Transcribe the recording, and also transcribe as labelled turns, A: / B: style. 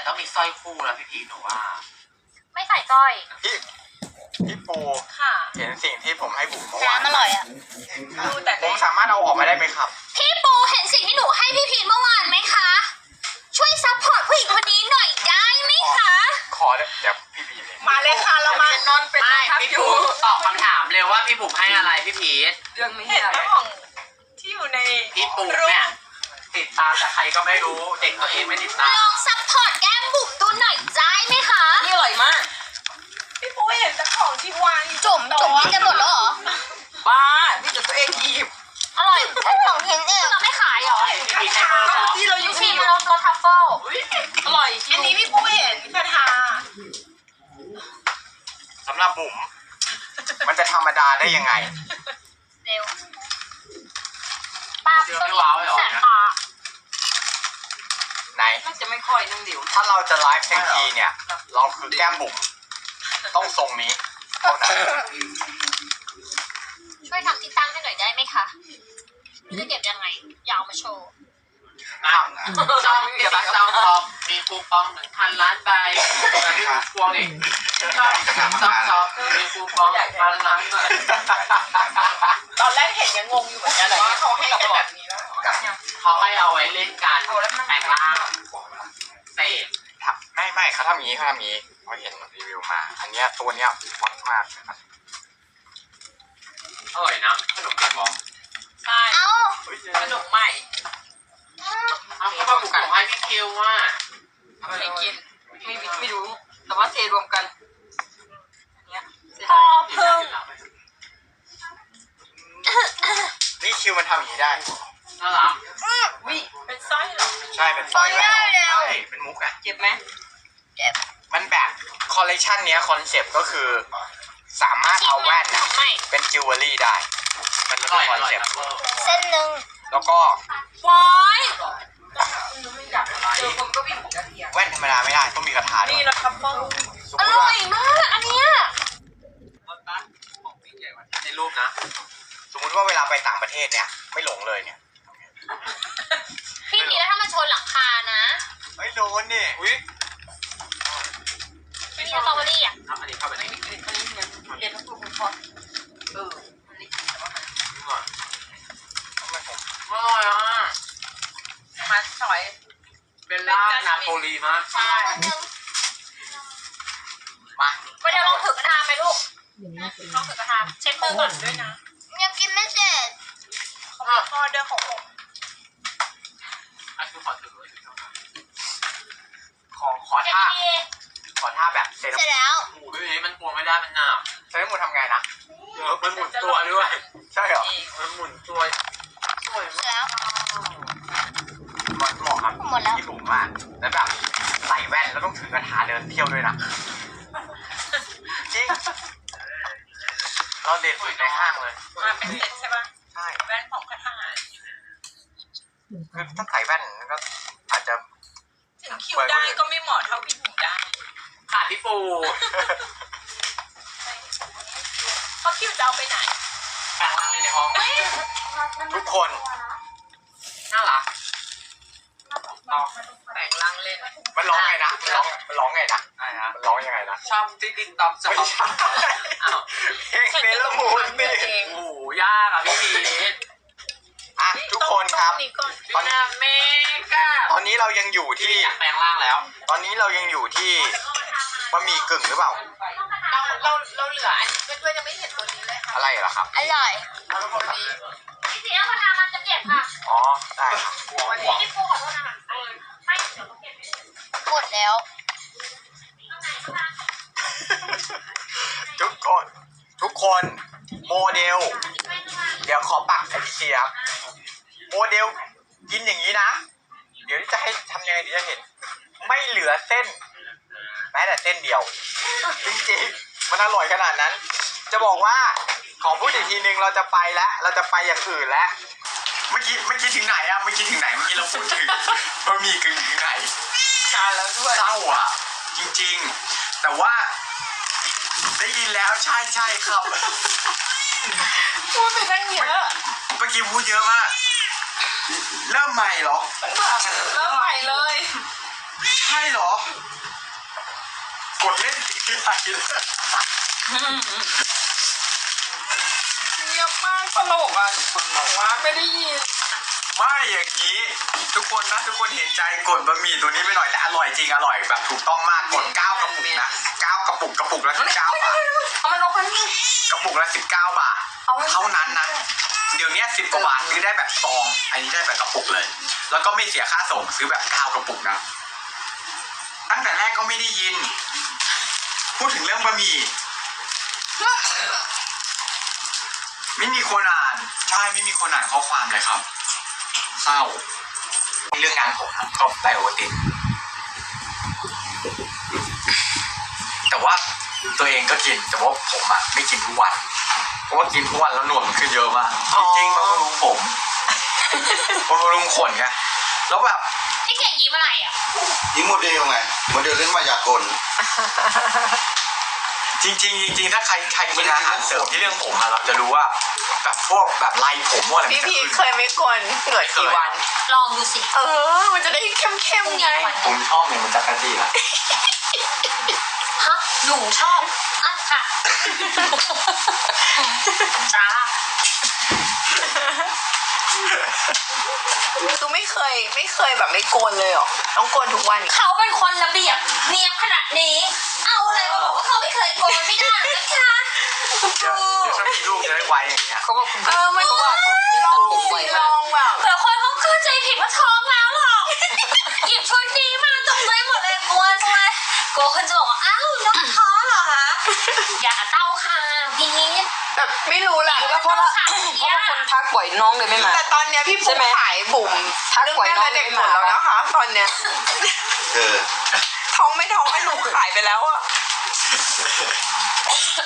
A: ต้องมีสร้อยคู่แล้วพี่พีหนูว่า
B: ไม่ใส่สร้อย
C: พี่ปู
B: ค่ะ
C: เห็นสิ่งที่ผมให้บุ๋มเมื่อวาน
B: น้ำอร่อยอ่ะ
C: ผมสามารถเอาออกมาได้ไหมครับ
B: พี่ปูเห็นสิ่งที่หนูให้พี่พีเมื่อวานไหมคะช่วยซัพพอร์ตผู้หญิงคนนี้หน่อยได้ไหมคะ
C: ขอเดี๋ยวพี่บีเลย
D: มาเลยค่ะเรามานอนเป็นทับ
A: พี่
D: อยู่
A: ปูตอบคำถามเร็วว่าพี่บุ๋มให้อะไรพี่พีท
D: เรื่องนี้เห็นไหมของที่อยู่ใน
A: พี่ปูเนี่ยติดตามแต่ใครก็ไม่รู้เด็กตัวเองไม่ติดตาม
B: ลองซัพพอร์ตแก้มบุ๋มดูหน่อยได้ไหมคะ
D: นี่อร่อยมากพี่ปูเห็นแต่ของที่วางอยู่
B: จุ่มกินกันหมดแล้วเหรอ
D: บ้านี่จะตัวเองหยิบ
B: อร่อยแค่2ชิ้นเองเราไม่ขายเหรอ
A: พี่พีทให้เพิ่มเหรอ
D: ที่เราอยู่
B: พี่มันรสทัฟเฟิล
D: อร่อยอันนี้พี่ปูเห็นกระทา
C: สำหรับบุ๋มมันจะธรรมดาได้ยังไง
B: เร็วป้า
A: เดี๋ยวไม่ว้าวเลยเหรอ
B: แสบตา
C: ไหน
D: น่าจะไม่ค่อยนั่งเดี๋ยว
C: ถ้าเราจะไลฟ์ทั้งทีเนี่ย เราคือแก้มบุ๋มต้องทรงนี้เท่านั้น
B: ช่วยทำที่ตั้งให้หน่อยได้ไหมคะไม่รู้จะเก็บยังไงอยากเอามาโชว์
A: ช่องเก็บบัตรจองทองมีคูปอง 1,000 ล้านใบมีคูปองอีกช่องมีคูปอง 1,000 ล้านใบ
D: ตอนแรกเห็นยังงงอยู่เหมือนกันว่าเขาให้กันแบบนี้แล้ว
A: เขาให้เอาไว้เล่นการแปลงร่างเสพ
C: ไม่เขาทำอย่างนี้พอเห็นรีวิวมา อันเนี้ยตัวเนี้ยฮอตมากนะครับ
A: อร่อยนะขนมปังบอก
D: ใช่
B: เอ้า
D: ขนมใหม่
A: เอาก็มาบุกของให้พี่คิวว่า
D: ไม่กินไม่รู้แต่ว่าเทรวมกันเนี้ย
B: พอพึ่ง
C: นี่คิวมันทำอย่างนี้ได้
A: น่ารัก
D: วิเป็นสร้อยเหรอ
C: ใช่เป็นสร้อยแหวน
B: ได้แล้ว
C: ใช่เป็นมุกอะ
D: เจ็บไหม
C: มันแบบคอลเลคชันเนี้ยคอนเซปต์ก็คือสามารถเอาแว่นอะ
B: ไม่
C: เป็นจิวเวลรี่ได้ มัน
A: อ
C: เป็น
A: ร่อย
C: ค
A: อ
C: อน
A: ร่อย
C: เซปต์
A: นะเวอร์
B: เส้นหนึ่ง
C: แล้วก็
B: วอย
D: ไม่อยากอะไรผมก็วิ่งกระเทียม
C: แว่นธรรมดาไม่ได้ต้องมีกระถาด้ว
D: นี่
C: ย
D: เราทับเบิ้ล
C: สม
B: อ
C: มติ
B: ร่อ
C: ว่าย
B: มากอันเนี้ย
A: ในรูปนะ
C: สมมติว่าเวลาไปต่างประเทศเนี่ยไม่หลงเลยเนี่ย
B: พี่พีแล้วถ้ามันชนหลังคานะ
C: ไม่โดนนี่อุ้ย
B: พี่พีสตรอเบอรี่อ่ะ
A: ครับอันนี้เข้าไปใน
D: อันนี้เนี่ยเรียนทั้งกลุ่มคอร์สมันนี่แต่ว่า
C: ทำไมผม
A: อร่อยอ่ะ
D: มาสอย
A: เบลล่านาโปลีมาก
B: ใช่อันนึง
C: มา
B: ไปเดี๋ยวลองถือกระทาไหมลูกลองถือกระทาเช็ดมือก่อน
D: ด้วยนะ
B: ยังกินไม่เสร็จ
D: เขามีออเดอร์ของผม
A: อันคือขอถือ
C: ขอ
B: เจ็ด
C: ท่า
B: ที
C: ขอท่าแบบเซเล
B: เสร็จแล้ว
A: หมูด้วยนี้มันกลัวไม่ได้มันหนาบ
C: มูทำไงนะ
A: เยอะมันหมุนตัวด้วย
C: ใช่เหรอ
A: มันหมุนตัวสวย
B: เสร็
A: มาก
B: จแล้ว
C: เหมาะครับ
B: หมดแล้ว
C: ที่ผมว่าแล้วแบบใส่แว่นแล้วต้องถือกระถาเดินเที่ยวด้วยนะจริงเราเด็ดสุดในห้างเลย
D: มาเป็นเซ็ตใช่ป่ะ
C: ใช่
D: แว่นของคาถา
C: คือถ้าใส่แว่นก็อาจจะ
D: ถึงคิวได้ก็ไม่เหมาะเท่าพี่บุ๋มได้
A: ขาดพี่ปู
D: เพราะคิวจะเอาไปไหน
A: แปลงร่างเลยในห้อง
C: ทุกคน
A: น่ารัก
D: แต่งร่างเล่น
C: มันร้องไงนะมันร้องไงนะ
A: ใช่ฮะ
C: มันร้องยังไงนะ
A: ชอบติ๊กติ๊กต๊อกจะ
C: ไม่ใช่
A: อ้าว
C: เพลงเฟลมูนนี่
A: โอ้โหยากอ่ะพี่พีท
C: อ่ะทุกคนครับ
D: นี่ก่อน
A: ตอนนี้เมกา
C: ตอนนี้เรายังอยู่ที่
A: อยากแปลงร่างแล้ว
C: ตอนนี้เรายังอยู่ที่บะหมี่กึ่งหรือเปล่า
D: เราเหลืออันนี้เพื่อนๆยังไม่เห็นตัวนี้เลยค่ะ
C: อะไรเหรอครับ
B: อร่อย
D: เราคนนี้
B: พี่พีเอากระทามันจะเก็บค่ะ
C: อ๋อได้ครับ
B: พี่ปูขอโทษนะคะไม่เดี๋ยวเขาเก็บไม่ได้หมดแล้ว
C: ทุกคนโมเดล เดี๋ยวขอปักไอเสียบโมเดลกินอย่างนี้นะ เดี๋ยวจะให้ทำยังไงเดี๋ยวจะเห็น ไม่เหลือเส้น แม้แต่เส้นเดียว จริงๆมันอร่อยขนาดนั้น จะบอกว่าขอพูดอีกทีนึงเราจะไปแล้ว เราจะไปอย่างอื่นแล้ว เมื่อกี้ถึงไหนอะเมื่อกี้ถึงไหนเมื่อกี้เราพูดถึงบะหมี่กึ่งถึงไหน
D: ชาแล้วด้วย
C: เศร้าอะจริงๆ แต่ว่าได้ยินแล้วใช่ครับ
D: พูดไปตั้งเยอะ
C: เมื่อกี้พูดเยอะมาก เริ่มใหม่เหรอ
D: เริ่มใหม่เลย
C: ใช่ช่เหรอ กดเล่นสีอะไรเลย
D: เงียบมากตลกอ่ะทุกคนบอกว่าไม่ได้ยิน
C: ไม่อย่างนี้ทุกคนนะทุกคนเห็นใจกดบะหมี่ตัวนี้ไปหน่อยแต่อร่อยจริงอร่อยแบบถูกต้องมากกด9 กระปุกนะ9 กระปุกกระปุกละ19 บาท
D: เอามันลงมานี่
C: กระปุกละ19 บาทเท่านั้นนะเดี๋ยวนี้10 กว่าบาทซื้อได้แบบซองอันนี้ได้แบบกระปุกเลย แล้วก็ไม่เสียค่าส่งซื้อแบบ9 กระปุกนะตั้งแต่แรกก็ไม่ได้ยิน พูดถึงเรื่องบะหมี่ไม่มีคนอ่านใช่ไม่มีคนอ่านข้อความเลยครับเศร้าเรื่องงานผมนะก็ได้โอเวอร์ตินแต่ว่าตัวเองก็กินแต่ว่าผมอะไม่กินทุกวันเพราะว่ากินทุกวันแล้วหนวดมันขึ้นเยอะมากจริงๆมันบำรุงผมมันบำรุงขนไงแล้วแบบ
B: พี่เก่งยิ้มอะไรอ่ะ
E: ยิ้มโมเดลไงโมเดลเล่นมายากล
C: จริงๆถ้าใครกินอาหารเสริมที่เรื่องผมอะเราจะรู้ว่าแบบพวกแบบไรผมพวกอะไร
A: พี่
C: มันจะ
A: พี
C: ขึ้น
A: เคยไม่กลนเหนื่อยกี่วัน
B: ลองดูสิ
A: มันจะได้เข้มๆไง
C: ผมชอบเนี่ยมันจะกระจีละ
B: ฮะหนูชอบอ่ะค่ะจ้า
A: คือไม่เคยแบบไม่โกนเลยเหรอต้องโกนทุกวัน
B: เขาเป็นคนระเบียบเนียบขนาดนี้ เอาอะไรมาบอกว่าเขาไม่เคยโกนไม่ได้นะคะ
C: เดี๋ยวถ้ามีลูกจะได้ไวอย่างเงี้ย
D: เขาบอกคุณ
A: มัน
D: เขาว่าเขามี
A: ล
D: ตั
A: อ
D: ด
A: ง
D: ผมไว
A: ล
D: มาก
A: องแบบ
B: เผื่อคนเขาเข้าใจผิดว่าท้องแล้วหรอกหยิบชุดนี้มาตกใจหมดเลยกลัวจังเลยกลัวคนจะบอกว่าอ้าวน้องท้องเหรอคะอย่าเต้าค่ะพี่
A: แบบไม่รู้แหละ
D: แล้วเพราะว่าคนทักบ่อยน้องเลยไม่มา
A: แต่ตอนเนี้ยพี่
D: ใช่
A: ปุ๊ก
D: ไหม
A: ขายบุ๋ม
D: ทัก
A: เรื่อง
D: บ่อย
A: แม่
D: น้อง
A: และ
D: เล
A: เด็
D: ย
A: ก
D: ไม่
A: หมด
D: มา
A: แล้วนะคะ ตอนเนี้ย
E: เออ
A: ท้องไม่ท้องไอ้หนูขายไปแล้วอะ